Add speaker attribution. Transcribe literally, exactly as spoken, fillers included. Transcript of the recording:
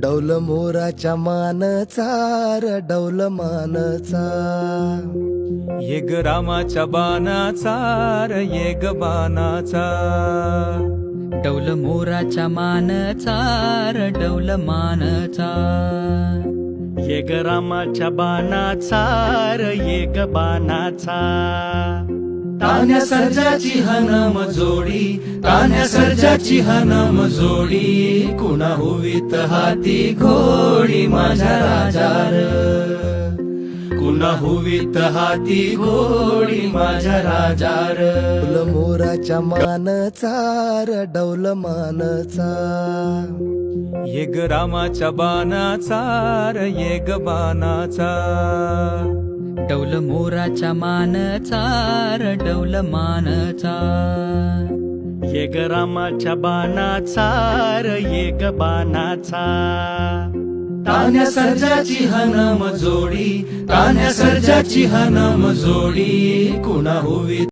Speaker 1: डौल मोराच्या मानचा र डौल मानचा,
Speaker 2: ये ग रामाच्या बाणाचा र ये ग बाणाचा,
Speaker 3: डौल मोराच्या मानचा र डौल मानचा,
Speaker 4: ये ग रामाच्या बाणाचा र ये ग बाणाचा,
Speaker 2: तान्या सर्जाची हनम जोडी, तान्या सर्जाची हनम जोडी, कुणा होवीत हाती घोडी माझ्या राजार, कुणा होवीत हाती घोडी माझ्या राजार,
Speaker 1: डौल मोराच्या मानचा र डौल मानचा,
Speaker 2: ये ग रामाच्या बाणाचा र ये ग बाणाचा,
Speaker 3: डौल मोराच्या मानचा र डौल मानचा,
Speaker 4: ये ग रामाच्या बाणाचा र ये ग बाणाचा,
Speaker 2: तान्या सर्जाची हनम जोडी, तान्या सर्जाची हनम जोडी, कुणा होवी